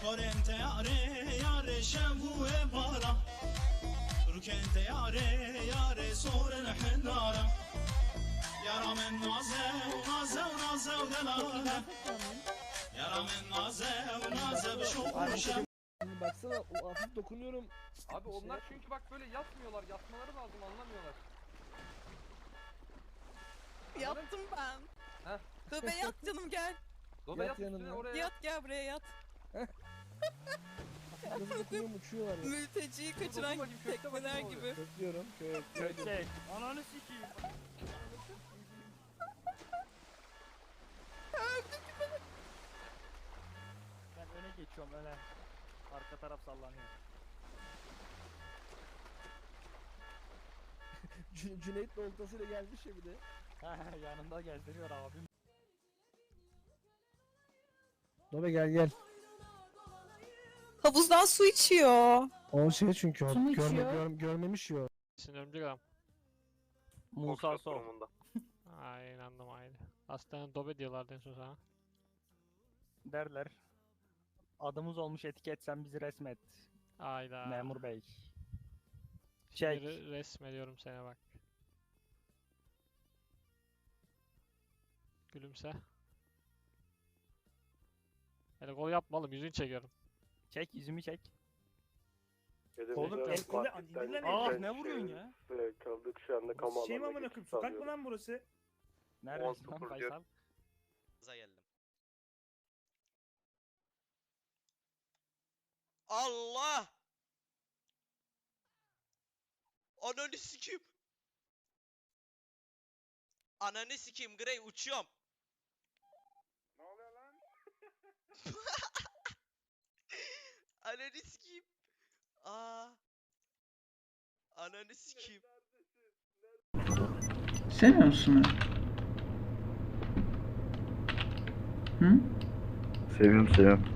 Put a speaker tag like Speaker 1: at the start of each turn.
Speaker 1: Korente yare yare şevu bara Rukente yare soren hennara Yara men naze naze delale Yara men naze bşokuşa.
Speaker 2: Baksana o hafif dokunuyorum.
Speaker 3: Abi onlar çünkü bak böyle yatmıyorlar. Yatmaları lazım, anlamıyorlar.
Speaker 4: Yattım ben.
Speaker 3: Heh.
Speaker 4: Dobe yat canım gel.
Speaker 3: Dobe
Speaker 2: Yat
Speaker 3: yat üstüne
Speaker 2: yanına.
Speaker 3: oraya
Speaker 4: Yat gel buraya yat.
Speaker 2: Nasıl dokunuyorum uçuyorlar ya.
Speaker 4: Mülteciyi kaçıran
Speaker 3: bakayım, köfte
Speaker 4: tekneler
Speaker 3: bakayım
Speaker 4: gibi.
Speaker 2: Köklüyorum. Köklüyorum.
Speaker 5: Ananı sikeyim. Ben öne geçiyorum öne. Arka taraf sallanıyor.
Speaker 2: Cüneyt oltasıyla gelmiş ya bir de.
Speaker 5: Yanında gezdiriyor abim.
Speaker 2: Dobe gel.
Speaker 4: Havuzdan su içiyor.
Speaker 2: O şey çünkü o
Speaker 4: Su mu içiyor?
Speaker 2: görmemiş ya.
Speaker 6: Sinirli gram.
Speaker 5: Musa Sol.
Speaker 6: Ay inandım aynı. Aslında Dobe diyorlardı en son sana.
Speaker 5: Derler. Adımız olmuş etiket, sen bizi resmet.
Speaker 6: Ayda.
Speaker 5: Memur bey.
Speaker 6: Şimdi
Speaker 5: Çek.
Speaker 6: resmediyorum seni bak. Gülümse. Hele gol yapma oğlum, yüzünü çekiyorum.
Speaker 5: Çek, yüzümü çek.
Speaker 7: Oğlum
Speaker 5: el kolu dinle. Ah ne vuruyorsun ya?
Speaker 7: Kaldık şu anda kamu
Speaker 8: Şey mi
Speaker 7: alanına
Speaker 8: amına
Speaker 7: geçiş
Speaker 8: koyayım? Sokak mı
Speaker 7: sağlıyoruz.
Speaker 8: lan burası?
Speaker 5: Neredesin lan
Speaker 7: 19
Speaker 5: Faysal?
Speaker 9: Geldim. Allah! Ananı sikeyim. Ananı sikeyim Grey, uçuyorum.
Speaker 7: Ne oluyor lan?
Speaker 9: Ananı sikeyim. Aa. Ananı sikeyim.
Speaker 10: Sevmiyor musun beni? Hı?
Speaker 7: Seviyorum.